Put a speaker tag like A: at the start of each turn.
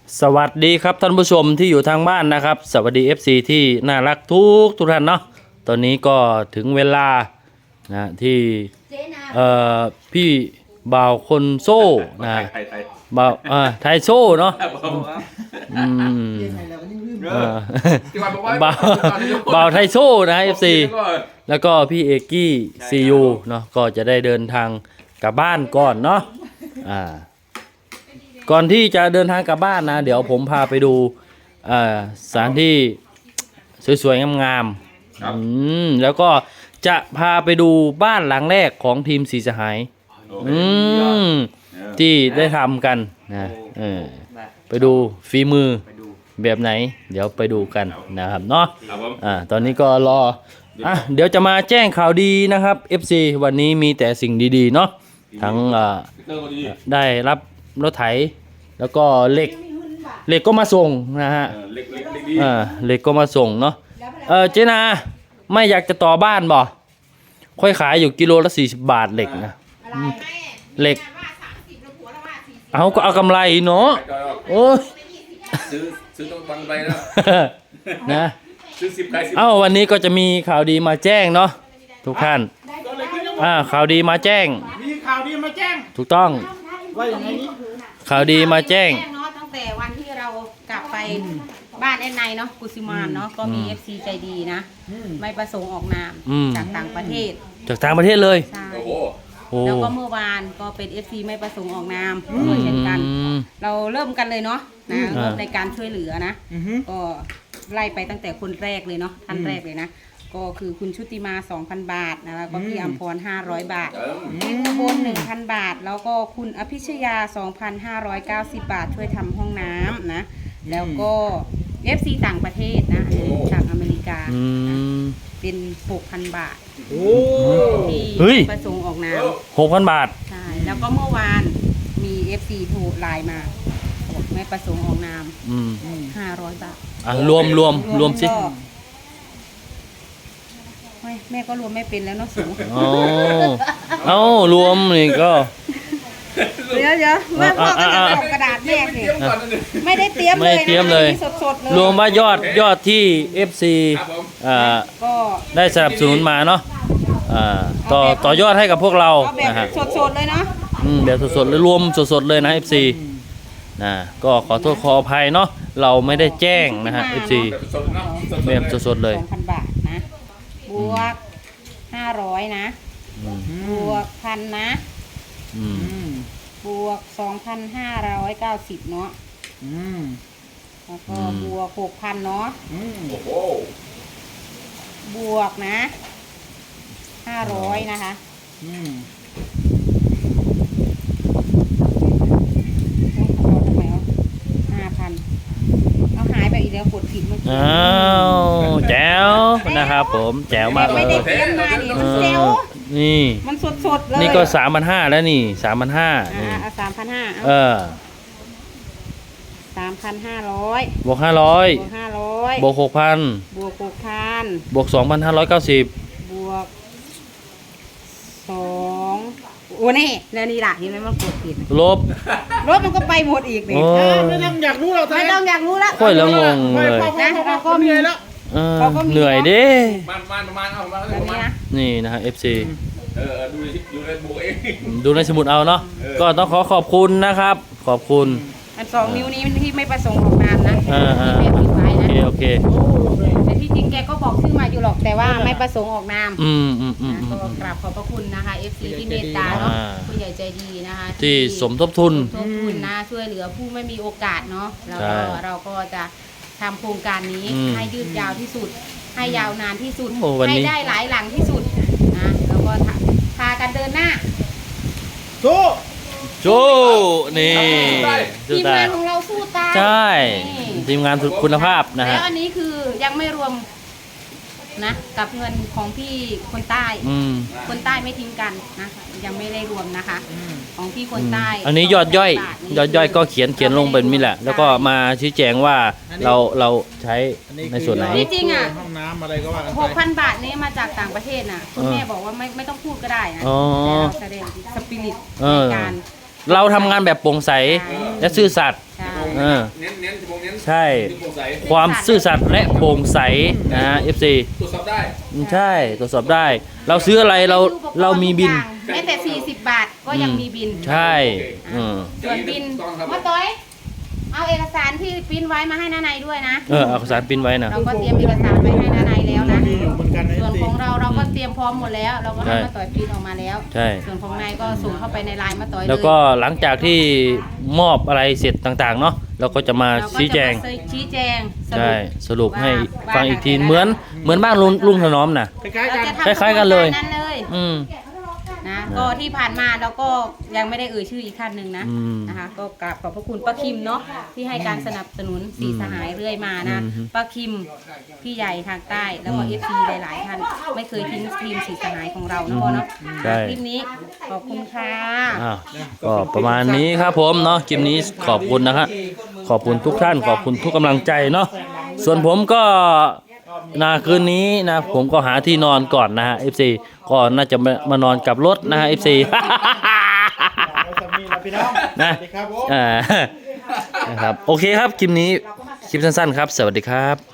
A: สวัสดีครับท่านผู้ชมที่อยู่ทางบ้านนะครับสวัสดี FC ที่น่ารักทุกท่านเนาะตอนนี้ก็ถึงเวลานะที่พี่บ่าวคนโซ่นะบ่าวไทยโซ่เนาะบ่าวไทยโซ่นะ FC แล้วก็พี่เอกกี้ซียูเนาะก็จะได้เดินทางกลับบ้านก่อนเนาะก่อนที่จะเดินทางกลับบ้านนะเดี๋ยวผมพาไปดูสถานที่สวยๆงามๆแล้วก็จะพาไปดูบ้านหลังแรกของทีมสีสหายที่ได้ทำกันนะไปดูฝีมือแบบไหนเดี๋ยวไปดูกันนะครับเนาะตอนนี้ก็รอเดี๋ยวจะมาแจ้งข่าวดีนะครับ FC วันนี้มีแต่สิ่งดีๆเนาะทั้งได้รับรถไถแล้วก็เหล็กก็มาส่งนะฮะเหล็กก็มาส่งเนาะเจนาไม่อยากจะต่อบ้านบ่ค่อยขายอยู่กิโลละ40 บาทเหล็กนะเหล็กเอาก็เอากำไรเนาะโอ้ย
B: ซื้อต้องบังไปแล้ว
A: นะ
B: ซื้อ10ขาย10
A: วันนี้ก็จะมีข่าวดีมาแจ้งเนาะทุกท่านข่าวดีมาแจ้ง
C: มีข่าวดีมาแจ้ง
A: ถูกต้อง
C: ว่าอย่างไรนี้
A: ข่าวดีมาแจ้ง
D: เนาะตั้งแต่วันที่เรากลับไปบ้านแอนไนเนาะกุสิมานเนาะก็มี FC ใจดีนะไม่ประสงค์ออกนามจากต่างประเทศ
A: เลย
D: ใช่แล้วก็เมื่อวานก็เป็น FC ไม่ประสงค์ออกนามเช่นกันเราเริ่มกันเลยเนาะในการช่วยเหลือนะก็ไล่ไปตั้งแต่คนแรกเลยเนาะท่านแรกเลยนะก็คือคุณชุติมา 2,000 บาทนะแล้วก็พี่อัมพร500 บาทพี่อุบล 1,000 บาทแล้วก็คุณอภิชยา 2,590 บาทช่วยทำห้องน้ำนะแล้วก็ FC ต่างประเทศนะจากอเมริกาเป็น 6,000 บาทที่ประสงค์ออกนาม
A: 6,000 บาท
D: ใช่แล้วก็เมื่อวานมี FC โทรไลน์มาบอกไม่ประสงค์ออกนาม500 บาท
A: รวมสิ
D: แม่ก็รวมไม่เป็นแล้วเนาะสูง
A: รวมนี่ก็
D: เดี๋ยวว่าพ่อก็จะเอากระดาษแม่สิไม่ได้เตรียมเลยสดๆเลย
A: รวมว่ายอดที่ FC
D: ก็
A: ได้สนับสนุนมาเนาะต่อยอดให้กับพวกเรา
D: นะฮะสดๆเลยเนาะ
A: แบบสดๆเลยรวมสดๆเลยนะ FC ก็ขอโทษขออภัยเนาะเราไม่ได้แจ้งนะฮะ FC แบบสดๆเลย
D: 2,000 บาทนะบวก500นะบวก1,000นะบวก 2,590 เนาะแล้วก็บวก 6,000 เนาะบวกนะ500นะคะเอาหายไปอีกแล้วกดผิดเมื่อกี้
A: แจ๋วนะครับผมแจ๋วมากเลย
D: ไม่ได้เตรียมมาดิมันแจ๋ว
A: นี่
D: มันสดๆเลย
A: นี่ก็ 3,500 แล้วนี่ 3,500
D: นี่3,5003,500
A: บวก500บวก6,000
D: บวก6,000
A: บวก 2,590
D: บวก2โอ้นี่แล้วนี่ล่ะเห็นไหมมันกดผิด
A: ลบ
D: มันก็ไปหมดอีกนี่
C: ไม่ต้องอยากรู้เรา
D: ไม่ต้องอยากรู้แล้ว
A: ค่อยละงงเลย
D: นะเราก็มีแล้ว
A: เหนื่อยดิ
B: มันเอามา
A: นี่นะฮะ FC
B: ดูในบุกเอง
A: ดูในสมุดเอาเนาะก็ต้องขอบคุณนะครับขอบคุณ
D: อัน2 นิ้วนี้ที่ไม่ประสงค์ออกนามนะ
A: โอเค
D: แต่ที่จริงแกก็บอกชื่อมาอยู่หรอกแต่ว่าไม่ประสงค์ออกนามก็กราบขอบพระคุณนะคะ FC ที่เมตตาเนาะผู้ใหญ่ใจดีนะคะ
A: ที่สมทบทุน
D: นะช่วยเหลือผู้ไม่มีโอกาสเนาะแล้วก็เราก็จะทำโครงการนี้ให้ยืดยาวที่สุดให้ยาวนานที่สุดให้ได้หลายหลังที่สุดนะแล้วก็พากันเดินหน้า
A: สู้นี่
D: ทีมงานของเราสู้ตาย
A: ใช่ทีมงานคุณภาพนะฮะ
D: แล้วอันนี้คือยังไม่รวมนะกับเงินของพี่คนใต้คนใต้ไม่ทิ้งกันนะยังไม่ได้รวมนะคะของพี่คนใต้
A: อันนี้ยอดย่อยก็เขียนลงเป็นนี่แหละแล้วก็มาชี้แจงว่าเราใช้ในส่วนไหน
D: จริง
C: ห้องน้ำอะไรก็ว่า
D: 6,000 บาทนี้มาจากต่างประเทศน่ะคุณแม่บอกว่าไม่ต้องพูดก็ได้นะแต่เราแสดงสปิริตในการ
A: เราทำงานแบบโปร่งใสและซื่อสัตย์เออ
B: เน้นผมเน้น
A: ใช่
B: ที่โปร่งใส
A: ความซื่อสัตย์และโปร่งใสนะฮะ FC
B: ตรวจสอบได้
A: ใช่ตรวจสอบได้ เราซื้ออะไรเรามีบิน
D: แม้แต่40 บาทก็ยังมีบิน
A: ใช่
D: ส่วนบิน
B: ต้องครับ
D: มาต้อยเอาเอกสารที่ปริ้นไว้มาให้น้าในด้วยนะ
A: เอาสารปริ้นไว้นะ
D: เราก็เตรียมเอกสารไว้ให้น้าในแล้วนะ
C: มีอยู่เหมือนกันนะ
D: ส่วน
C: สิ
D: ของเราก็เตรียมพร้อมหมดแล้ว เราก็ให้
A: ใช่
D: มาต่อยปริ้นออกมาแล้ว
A: ใช่
D: ส่วนของนายก็ส่งเข้าไปในไลน์มาต่อยเลย
A: แล้วก็หลังจากที่มอบอะไรเสร็จต่างๆเนาะเราก็จะมา
D: เราก็
A: ชี้แจง
D: จะมาชี้แจงสรุ
A: ใช่
D: ป
A: สรุปให้
D: ว่า
A: ฟังอีกที
D: ว่า
A: เหมือนบ้านลุงถนอมนะ
C: คล้ายๆ
D: เรา
C: กัน
D: จะทำ
A: คล้ายๆกันเลย
D: นั้นเลย
A: อืม
D: นะก็ที่ผ่านมาเราก็ยังไม่ได้เอ่ยชื่ออีกท่านหนึ่งนะ
A: อืม
D: นะคะก็กราบขอบพระคุณป้าคิมเนาะที่ให้การสนับสนุนสีสหายเรื่อยมานะ
A: อืม
D: ป้าคิมพี่ใหญ่ทางใต้แล้วก็เอฟซีหลายๆท่านไม่เคยทิ้งทีมสีสหายของเรานะพ่อเนาะ
A: ใช่
D: คลิปนี้ขอบคุณค่ะ
A: อ้าวก็ประมาณนี้ครับผมเนาะคลิปนี้ขอบคุณนะครับขอบคุณทุกท่านขอบคุณทุกกำลังใจเนาะส่วนผมก็คืนนี้นะผมก็หาที่นอนก่อนนะฮะ FC ก็น่าจะมานอนกับรถนะฮะ FC
C: เอาสามีเราพี่น้อง
A: นะ
C: สวัสดีครับผม
A: นะครับโอเคครับคลิปนี้คลิปสั้นๆครับ สวัสดีครับ